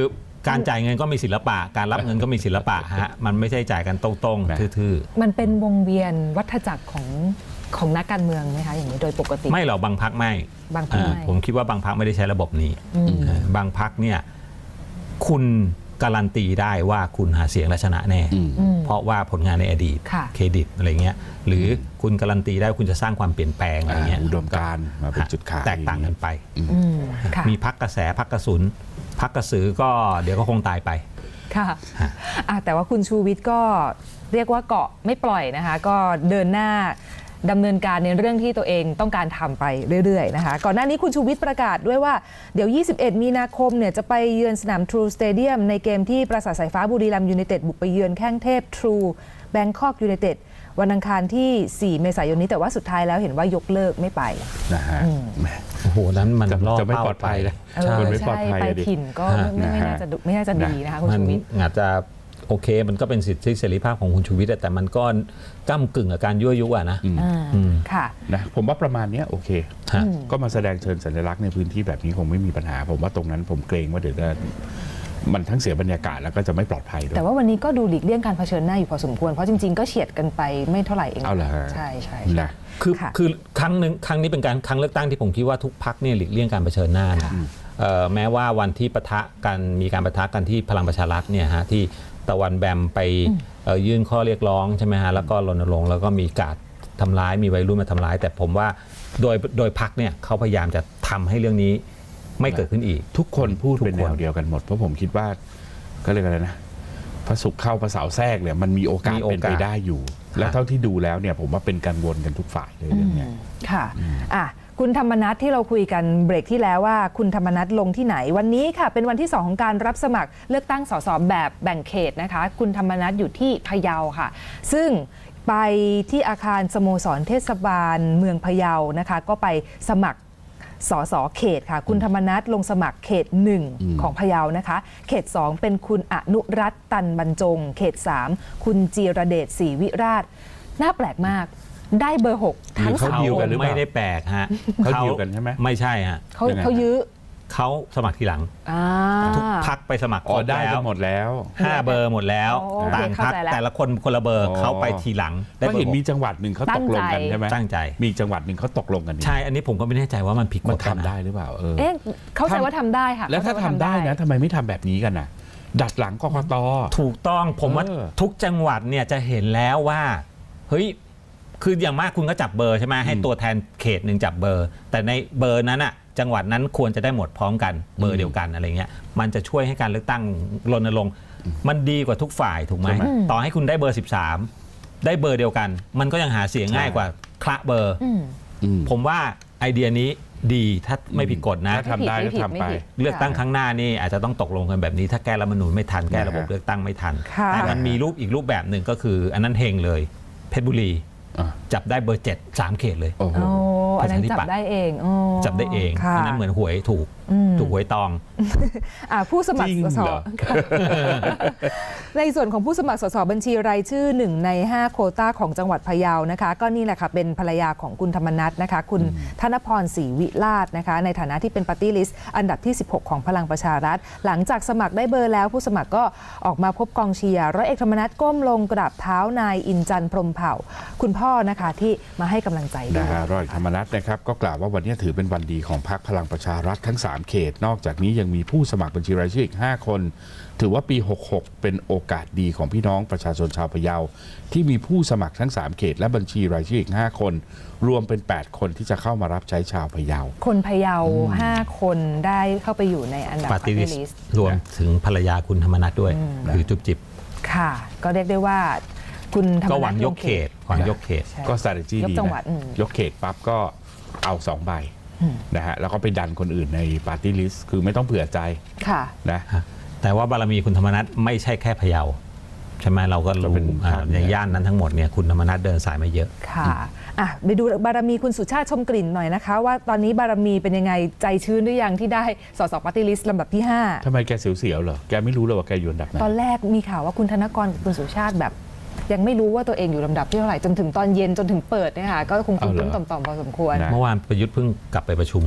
[SPEAKER 4] การจ่ายเงินก็มีศิลปะ การรับเงินก็มีศิลปะฮะมันไม่ใช่จ่ายกันตรงๆทื่อ
[SPEAKER 2] มันเป็นวงเวียนวัฏจักรของของนักการเมืองไหมคะอย่างนี้โดยปกติ
[SPEAKER 4] ๆไม่หรอกบางพักไม่
[SPEAKER 2] บางพรรคไม่
[SPEAKER 4] อ่าผมคิดว่าบางพักไม่ได้ใช้ระบบนี้
[SPEAKER 2] อืม
[SPEAKER 4] อ่าบางพักเนี่ยคุณการันตีได้ว่าคุณหาเสียงและชนะแน่
[SPEAKER 3] อืม
[SPEAKER 2] อืม
[SPEAKER 4] เพราะว่าผลงานในอดีต
[SPEAKER 2] ค่ะ
[SPEAKER 4] เครดิตอะไรเงี้ยหรือคุณการันตีได้ว่าคุณจะสร้างความเปลี่ยนแปลงอะไรเงี้ย
[SPEAKER 3] อุดมการณ์มาเป็นจุดขาย
[SPEAKER 4] แตกต่างกันไป
[SPEAKER 2] อืมค่ะ
[SPEAKER 4] มีพักกระแสพักกระสุนพักกระสือก็เดี๋ยวก็คงตายไป
[SPEAKER 2] ค่ะอ่ะแต่ว่าคุณชูวิทย์ก็เรียกว่าเกาะไม่ปล่อยนะคะ ก็เดินหน้าดำเนินการในเรื่องที่ตัวเองต้องการทำไปเรื่อยๆนะคะ ก่อนหน้านี้คุณชูวิทย์ประกาศด้วยว่าเดี๋ยว ยี่สิบเอ็ด มีนาคมเนี่ยจะไปเยือนสนาม True Stadium ในเกมที่ปราสาทสายฟ้าบุรีรัมย์ยูไนเต็ดบุกไปเยือนแข้งเทพ True Bangkok United วันอังคารที่ สี่ เมษายนนี้แต่ว่าสุดท้ายแล้วเห็นว่ายกเลิกไม่ไป
[SPEAKER 3] นะฮะแหม
[SPEAKER 4] โอ้โหนั้นมัน
[SPEAKER 3] จะ
[SPEAKER 4] ล่อ
[SPEAKER 3] จะไม่
[SPEAKER 4] เป้า
[SPEAKER 3] ปลอดภัย
[SPEAKER 4] ไป
[SPEAKER 3] นะ
[SPEAKER 2] เออ
[SPEAKER 3] มันไม่ปลอด
[SPEAKER 2] ใช่
[SPEAKER 3] ภัย
[SPEAKER 2] ไป
[SPEAKER 3] อะดิ
[SPEAKER 2] ถิ่นก็
[SPEAKER 3] ฮะ
[SPEAKER 2] ไม่ไม่
[SPEAKER 3] นะฮะ
[SPEAKER 2] น่าจะดุไม่น่าจะดีนะคะคุณ
[SPEAKER 4] มัน
[SPEAKER 2] ชูวิทย์
[SPEAKER 4] อาจจะโอเคมันก็เป็นสิทธิเสรีภาพของคุณชูวิทย์แต่มันก็ก้ากึ่งกับการยั่วยุอะนะ
[SPEAKER 2] อ่า
[SPEAKER 4] อืม
[SPEAKER 2] ค่ะ
[SPEAKER 3] นะผมว่าประมาณเนี้ยโอเค
[SPEAKER 4] ฮะ
[SPEAKER 3] ก็มาแสดงเชิญสัญลักษณ์ในพื้นที่แบบนี้คงไม่มีปัญหา ผมว่าตรงนั้นผมเกรงว่าเดี๋ยวจะมันทั้งเสียบรรยากาศแล้วก็จะไม่ปลอดภัยด้วย
[SPEAKER 2] แต่ว่าวันนี้ก็ดูหลีกเลี่ยงการเผชิญหน้าอยู่พอสมควร เพราะจริงๆ ก็เฉียดกันไปไม่เท่าไหร่เอง
[SPEAKER 3] เอาเหรอฮะ
[SPEAKER 2] ใช่ใช่
[SPEAKER 3] นะ
[SPEAKER 4] คือ
[SPEAKER 2] ค่ะ
[SPEAKER 4] คือครั้งหนึ่งครั้งนี้เป็นการครั้งเลือกตั้งที่ผมคิดว่าทุกพักเนี่ยหลีกเลี่ยงการเผชิญหน้านะเอ่อแม้ว่าวันที่ปะทะกันมีการปะทะกันที่พลังประชารัฐเนี่ยฮะที่ตะวันแบมไปเอ่อยื่นข้อเรียกร้องใช่ไหมฮะแล้วก็รณรงค์แล้วก็มีการทำร้ายมีวัยรุ่นมาทำร้าย แต่ผมว่าโดยโดยพักเนี่ยเขาพยายามจะทำให้เรื่องนี้ไม่เกิดขึ้นอีก
[SPEAKER 3] ทุกคนพูด
[SPEAKER 4] ทุกคน
[SPEAKER 3] เป็นแนวเดียวกันหมด เพราะผมคิดว่าก็เรียกอะไรนะพระศุกร์เข้าพระเสาร์แทรกเนี่ยมันมีโอกาส
[SPEAKER 4] มีโอกาส
[SPEAKER 3] เป็นไปได้อยู่ และเท่าที่ดูแล้วเนี่ยผมว่าเป็นกังวลกันทุกฝ่ายเลยเรื่องเนี้ย
[SPEAKER 2] ค่ะอ่ะ คุณธรรมนัสที่เราคุยกันเบรกที่แล้วว่าคุณธรรมนัสลงที่ไหนวันนี้ค่ะเป็นวันที่สองของการรับสมัครเลือกตั้งสสแบบแบ่งเขตนะคะคุณธรรมนัสอยู่ที่พะเยาค่ะ ซึ่งไปที่อาคารสโมสรเทศบาลเมืองพะเยานะคะก็ไปสมัครสสเขตค่ะคุณธรรมนัสลงสมัครเขตหนึ่งของพะเยานะคะเขตสองเป็นคุณอนุรัตน์ตันบรรจง เขตสามคุณจีรเดชศรีวิราชน่าแปลกมากได้เบอร์หกทั้ง
[SPEAKER 3] เขา
[SPEAKER 2] สาม
[SPEAKER 3] ดีล
[SPEAKER 2] ค
[SPEAKER 3] กัน
[SPEAKER 2] น
[SPEAKER 3] หรือเปล่า
[SPEAKER 4] ไม่ได้แปลกฮะ
[SPEAKER 3] เขาดีลกันใช่ไหม
[SPEAKER 4] ไม่ใช่ฮะ
[SPEAKER 2] เขา
[SPEAKER 3] ยังไง
[SPEAKER 2] เขายื้อ
[SPEAKER 4] เขาสมัครทีหลัง
[SPEAKER 2] อ่า
[SPEAKER 4] ทุกพักไปสมัคร
[SPEAKER 3] อ๋อ
[SPEAKER 4] ครบ
[SPEAKER 3] ได้
[SPEAKER 4] แล้
[SPEAKER 3] กั
[SPEAKER 4] วน
[SPEAKER 3] หมดแล้ว
[SPEAKER 4] ห้าเบอร์หมดแล้ว
[SPEAKER 2] โอเค
[SPEAKER 4] ต่างพัก
[SPEAKER 2] เข้าใจแล้ว
[SPEAKER 4] แต่ละคนคนละเบอร์
[SPEAKER 3] อ๋อ
[SPEAKER 4] เขาไปทีหลังได้
[SPEAKER 3] ก็
[SPEAKER 4] เบอ
[SPEAKER 3] เห็น
[SPEAKER 4] ร์ห
[SPEAKER 3] มี
[SPEAKER 4] ก
[SPEAKER 3] จังหวัดหนึ่งเขาตกลงกันใช่ไหม
[SPEAKER 4] ตั้งใจ
[SPEAKER 3] มีจังหวัดหนึ่งเขาตกลงกันนี่
[SPEAKER 4] ใช่อันนี้ผมก็ไม่แน่ใจว่ามันผิดก
[SPEAKER 3] มัน
[SPEAKER 4] ฎ
[SPEAKER 3] ทำได้หรือเปล่าเออ
[SPEAKER 2] เอ๊ะเข้าใจว่าทำได้ค่ะ
[SPEAKER 3] แล้วถ้าทำได้นะทำไมไม่ทำแบบนี้กันน่ะ ดัดหลังกกต
[SPEAKER 4] ถูกต้องผมว่า
[SPEAKER 3] เออ
[SPEAKER 4] ทุกจังหวัดเนี่ยจะเห็นแล้วว่าเฮ้ยคืออย่างมากคุณก็จับเบอร์ใช่ไหมให้ตัวแทนเขตหนึ่งจับเบอร์ แต่ในเบอร์นั้นอะจังหวัดนั้นควรจะได้หมดพร้อมกันเบอร์เดียวกันอะไรเงี้ยมันจะช่วยให้การเลือกตั้งรณรงค์มันดีกว่าทุกฝ่ายถูกไหม
[SPEAKER 3] ใช่ไหม
[SPEAKER 4] ต่อให้คุณได้เบอร์สิบสามได้เบอร์เดียวกัน มันก็ยังหาเสียงง่ายกว่าคละเบอร์
[SPEAKER 2] อืม
[SPEAKER 3] อืม
[SPEAKER 4] ผมว่าไอเดียนี้ดีถ้าไม่ผิดกฎนะ
[SPEAKER 3] ถ้าทำได้ก็ทำไป
[SPEAKER 4] เลือกตั้งครั้งหน้านี่อาจจะต้องตกลงกันแบบนี้ ถ้าแก้รัฐธรรมนูญไม่ทันแก้ระบบ
[SPEAKER 3] นะฮะ
[SPEAKER 4] เลือกตั้งไม่ทัน
[SPEAKER 2] ค่ะ
[SPEAKER 4] แต่มันมีรูปอีกรูปแบบหนึ่งก็คือ อันนั้นเฮงเลยเพชรบุรี
[SPEAKER 3] อ่ะ
[SPEAKER 4] จับได้เบอร์เจ็ดสามเขตเลย
[SPEAKER 3] โอ้โห
[SPEAKER 2] โอ้อันนั้น
[SPEAKER 4] ประชาธิ
[SPEAKER 2] จับ
[SPEAKER 4] ปัตย์
[SPEAKER 2] ได้เองอ๋อ
[SPEAKER 4] จับได้เอง
[SPEAKER 2] ค่ะ
[SPEAKER 4] อันนั้นเหมือนหวยถูก
[SPEAKER 2] อืม
[SPEAKER 4] ถูกหวยตอง
[SPEAKER 2] อ่ะผู้สมัคร
[SPEAKER 3] จริง
[SPEAKER 2] สส
[SPEAKER 3] เหรอ
[SPEAKER 2] ค่ะในส่วนของผู้สมัครสสบัญชีรายชื่อหนึ่งในห้าโควต้าของจังหวัดพะเยานะคะ ก็นี่แหละค่ะเป็นภรรยาของคุณธรรมนัสนะคะ คุณธนพรศรีวิราชนะคะ ในฐานะที่เป็นปาร์ตี้ลิสต์อันดับที่สิบหกของพลังประชารัฐ หลังจากสมัครได้เบอร์แล้วผู้สมัครก็ออกมาพบกองเชียร์ร้อยเอกธรรมนัสก้มลงกราบเท้านายอินจันทร์พรหมเผ่า คุณพ่อนะคะที่มาให้กำลังใจด้ว
[SPEAKER 3] นะ
[SPEAKER 2] ย
[SPEAKER 3] ฮะร้อยเอกธรรมนัฐนะครับก็กล่าวว่าวันนี้ถือเป็นวันดีของพรรคพลังประชารัฐทั้งสามเขต นอกจากนี้ยังมีผู้สมัครบัญชีรายชื่ออีกห้าคน ถือว่าปีหกหกเป็นโอกาสดีของพี่น้องประชาชนชาวพะเยาที่มีผู้สมัครทั้งสามเขต และบัญชีรายชื่ออีกห้าคน รวมเป็นแปดคนที่จะเข้ามารับใช้ชาวพะเยา
[SPEAKER 2] คนพะเยาห้าคนได้เข้าไปอยู่ในอันดับ
[SPEAKER 4] ปาร์ตี้ลิส
[SPEAKER 2] Party
[SPEAKER 4] ต์
[SPEAKER 2] List
[SPEAKER 4] รวมถึงภรรยาคุณธรรมนัฐด้วยคือจุบจิบ
[SPEAKER 2] ค่ะ ก็เรียกได้ว่าคุณธรรมนัส
[SPEAKER 4] ก็หวังยกเขตหวังยกเขต
[SPEAKER 2] ใช่
[SPEAKER 3] ก็ strategy
[SPEAKER 2] ยก
[SPEAKER 3] ดี
[SPEAKER 2] จังหวัด
[SPEAKER 3] นะ
[SPEAKER 2] อืม
[SPEAKER 3] ยกเขตปั๊บก็เอาสองใบนะฮะแล้วก็ไปดันคนอื่นในปาร์ตี้ลิสต์คือไม่ต้องเผื่อใจ
[SPEAKER 2] ค่ะ
[SPEAKER 3] นะ
[SPEAKER 4] แต่ว่าบารมีคุณธรรมนัฐไม่ใช่แค่พะเยาใช่ไหมเราก็
[SPEAKER 3] ก็
[SPEAKER 4] รู้
[SPEAKER 3] เป็น
[SPEAKER 4] อ่า
[SPEAKER 3] ภาพ
[SPEAKER 4] ในย่านนั้นทั้งหมดเนี่ยคุณธรรมนัฐเดินสายมาเยอะ
[SPEAKER 2] ค่ะอ่ะไปดูบารมีคุณสุชาติชมกลิ่นหน่อยนะคะ ว่าตอนนี้บารมีเป็นยังไงใจชื้นหรือยังที่ได้สสปาร์ตี้ลิสต์ลำดับที่ห้า
[SPEAKER 3] ทำไมแกเสียวๆเหรอแกไม่รู้เลยว่าแกอยู่อันดับไหน
[SPEAKER 2] ตอนแรกมีข่าวว่าคุณธนกรกับคุณสุชาติแบบ ยังไม่รู้ว่าตัวเองอยู่ลำดับที่เท่าไหร่จนถึงตอนเย็นจนถึงเปิดเนี่ยค่ะก็คงคุ้นๆต่อมๆพอสมควร
[SPEAKER 3] นะ
[SPEAKER 4] เมื่อวานประยุทธ์เพิ่งกลับไปประชุมไง
[SPEAKER 2] อ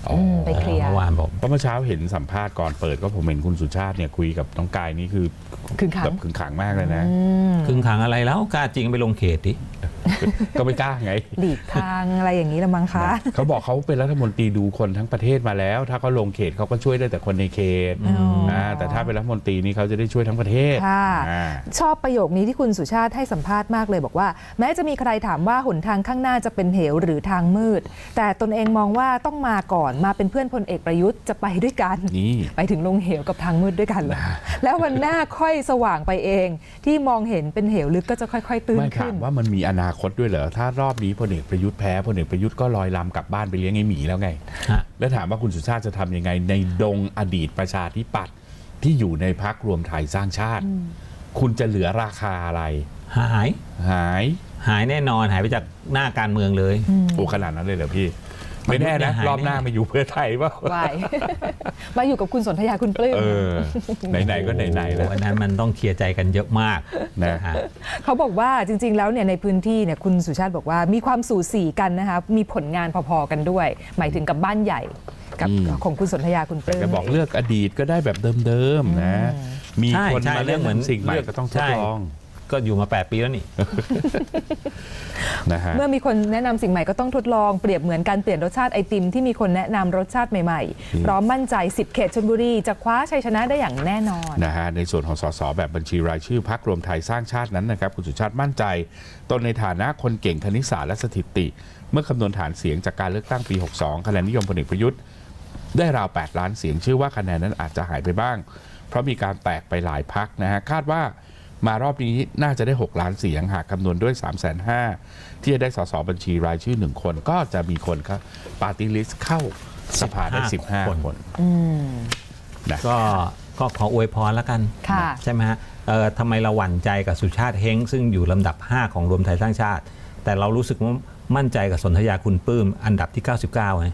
[SPEAKER 2] อืมไปเคลียร์
[SPEAKER 4] เมื่อวานบอก
[SPEAKER 3] เพราะเมื่อเช้าเห็นสัมภาษณ์ก่อนเปิดก็ผมเห็นคุณสุชาติเนี่ยคุยกับน้องกายนี่คือ
[SPEAKER 2] ขึงขัง
[SPEAKER 3] แบบขึงขังมากเลยนะ
[SPEAKER 4] ครึ่งขังอะไรแล้วกล้าจริงไปลงเขตดิ
[SPEAKER 3] ก็ไม่กล้าไง
[SPEAKER 2] หลีกทางอะไรอย่างนี้ละมั้งคะ
[SPEAKER 3] เขาบอกเขาเป็นรัฐมนตรีดูคนทั้งประเทศมาแล้ว ถ้าเขาลงเขตเขาก็ช่วยได้แต่คนในเขต
[SPEAKER 2] อ๋อ
[SPEAKER 3] นะแต่ถ้าเป็นรัฐมนตรีนี่เขาจะได้ช่วยทั้งประเทศ
[SPEAKER 2] ค่ะ
[SPEAKER 3] อ่า
[SPEAKER 2] ชอบประโยคนี้ที่คุณสุชาติให้สัมภาษณ์มากเลยบอกว่า แม้จะมีใครถามว่าหนทางข้างหน้าจะเป็นเหวหรือทางมืด แต่ตนเองมองว่าต้องมาก่อนมาเป็นเพื่อนพลเอกประยุทธ์จะไปด้วยกัน
[SPEAKER 3] นี่
[SPEAKER 2] ไปถึงลงเหวกับทางมืดด้วยกันเลยแล้ววันหน้าค่อยสว่างไปเอง ที่มองเห็นเป็นเหวลึกก็จะค่อยๆตื้น
[SPEAKER 3] ไม่ถา
[SPEAKER 2] ขึ้
[SPEAKER 3] ม
[SPEAKER 2] น
[SPEAKER 3] ว่ามันมีอนาคตด้วยเหรอถ้ารอบนี้พลเอกประยุทธ์แพ้พลเอกประยุทธ์ก็ลอยลำกลับบ้านไปเลี้ยงไอ้หมีแล้วไง
[SPEAKER 4] ฮะ
[SPEAKER 3] แล้วถามว่าคุณสุชาติจะทำยังไงในดงอดีตประชาธิปัตย์ที่อยู่ในพักรวมไทยสร้างชาติ คุณจะเหลือราคาอะไร
[SPEAKER 4] หาย
[SPEAKER 3] หาย
[SPEAKER 4] หายแน่นอนหายไปจากหน้าการเมืองเลย
[SPEAKER 3] โอ้ขนาดนั้นเลยเหรอพี่ ไม่แน่นะ
[SPEAKER 4] หาย
[SPEAKER 3] รอบหน้า
[SPEAKER 4] แน่
[SPEAKER 3] มาอยู่เพื่อไทยเปล่า
[SPEAKER 2] วาย มาอยู่กับคุณสนธยาคุณปลื้ม
[SPEAKER 3] เออ ไหนๆก็ไหนๆแล้ว
[SPEAKER 4] โอ้อันนั้นมันต้องเคลียร์ใจกันเยอะมาก
[SPEAKER 3] นะ
[SPEAKER 4] ฮะ
[SPEAKER 2] เขาบอกว่าจริง ๆ แล้วเนี่ยในพื้นที่เนี่ยคุณสุชาติบอกว่ามีความสูสีกันนะคะมีผลงานพอๆกันด้วย หมายถึงกับบ้านใหญ่กับ
[SPEAKER 3] อืม
[SPEAKER 2] ของคุณสนธยาคุณป
[SPEAKER 3] แต่
[SPEAKER 2] ลื้ม
[SPEAKER 3] จะบอกเลือกอดีตก็ได้แบบเดิมๆนะ มี
[SPEAKER 4] ใช่
[SPEAKER 3] คน
[SPEAKER 4] ใช่
[SPEAKER 3] มาเลือกเหมือนสิ่งใหม่
[SPEAKER 4] เลือก
[SPEAKER 3] ก็ต้องทด
[SPEAKER 4] ใช่
[SPEAKER 3] ลอง
[SPEAKER 4] ก็อยู่มาแปดปีแล้วนี่
[SPEAKER 3] นะฮะ
[SPEAKER 2] เมื่อมีคนแนะนำสิ่งใหม่ก็ต้องทดลองเปรียบเหมือนการเปลี่ยนรสชาติไอติมที่มีคนแนะนำรสชาติใหม่ๆพร้อมมั่นใจสิบเขตชลบุรีจะคว้าชัยชนะได้อย่างแน่นอน
[SPEAKER 3] นะฮะในส่วนของสสแบบบัญชีรายชื่อพักรวมไทยสร้างชาตินั้นนะครับคุณสุชาติมั่นใจตนในฐานะคนเก่งคณิตศาสตร์และสถิติ เมื่อคำนวณฐานเสียงจากการเลือกตั้งปี หกสิบสอง คะแนนนิยมพลเอกประยุทธ์ได้ราว แปด ล้านเสียงเชื่อว่าคะแนนนั้นอาจจะหายไปบ้าง เพราะมีการแตกไปหลายพักนะฮะคาดว่ามารอบนี้น่าจะได้ หก ล้านเสียงหากคำนวณด้วย สามแสนห้าหมื่น ที่จะได้สสบัญชีรายชื่อหนึ่งคนก็จะมีคนครับปาร์ตี้ลิสต์เข้าสภาได้ สิบห้า
[SPEAKER 4] คน
[SPEAKER 3] คน นะ
[SPEAKER 4] ก็ก็ขออวยพรแล้วกัน
[SPEAKER 2] ค่ะ
[SPEAKER 4] ใช่ไหมฮะเอ่อทำไมเราหวั่นใจกับสุชาติเฮงซึ่งอยู่ลำดับ ห้า ของรวมไทยสร้างชาติ แต่เรารู้สึกว่ามั่นใจกับสนธยาคุณปลื้มอันดับที่ เก้าสิบเก้าไง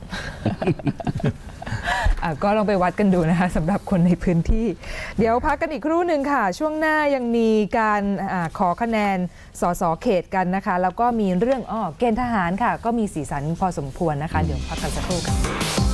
[SPEAKER 2] อ่ะก็ลองไปวัดกันดูนะคะสำหรับคนในพื้นที่ เดี๋ยวพักกันอีกครู่หนึ่งค่ะ ช่วงหน้ายังมีการอาขอคะแนนสสเขตกันนะคะ แล้วก็มีเรื่องอ้อเกณฑ์ทหารค่ะ ก็มีสีสันพอสมควรนะคะ เดี๋ยวพักกันสักครู่ค่ะ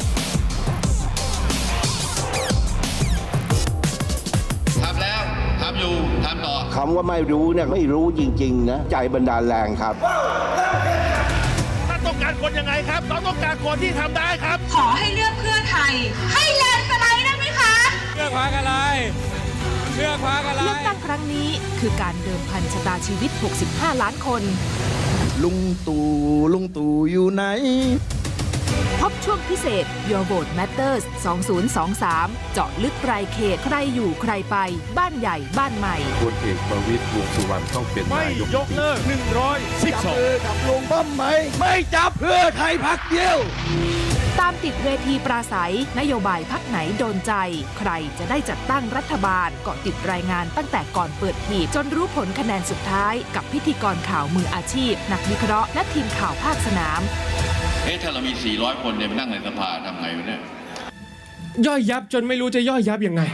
[SPEAKER 5] ทำแล้ว ทำอยู่ ทำต่อ
[SPEAKER 6] คำว่าไม่รู้เนี่ยไม่รู้จริงๆนะใจบันดาลแรงครับ
[SPEAKER 1] ท่านต้องการคนยังไงครับเราต้องการคนที่ทำได้ครับ
[SPEAKER 7] ขอให้เลือกเพื่อไทย ให้แลนด์สไลด์ได้ไหมคะ
[SPEAKER 8] เลือกพักอะไร เลือกพักอะไร
[SPEAKER 7] เลือกตั้งครั้งนี้คือการเดิมพันชะตาชีวิต หกสิบห้า ล้านคน
[SPEAKER 9] ลุงตู่ลุงตู่อยู่ไหน
[SPEAKER 7] พบช่วงพิเศษ Your Vote Matters สองพันยี่สิบสาม เจาะลึกรายเขต ใครอยู่ใครไป บ้านใหญ่บ้านใหม่
[SPEAKER 9] พลเอกประวิตรวงษ์สุวรรณต้องเป็น
[SPEAKER 1] ไม่
[SPEAKER 9] นายก
[SPEAKER 1] ยกเลิกหนึ่งร้อยสิบสอง
[SPEAKER 9] กับลุงป้อมไหม ไม่จับเพื่อไทยพักเดียว
[SPEAKER 7] ตามติดเวทีปราศัย นโยบายพักไหนโดนใจ ใครจะได้จัดตั้งรัฐบาลเกาะติดรายงานตั้งแต่ก่อนเปิดหีบจนรู้ผลคะแนนสุดท้าย กับพิธีกรข่าวมืออาชีพ นักวิเคราะห์และทีมข่าวภาคสนาม
[SPEAKER 5] เอ๊ะ ถ้าเรามี สี่ร้อย คนเนี่ยไปนั่งในสภาทำไงวะเนี่ย
[SPEAKER 8] ย่อยยับจนไม่รู้จะย่อยยับยังไง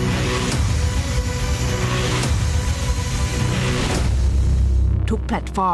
[SPEAKER 7] ทุกแพลตฟอร์ม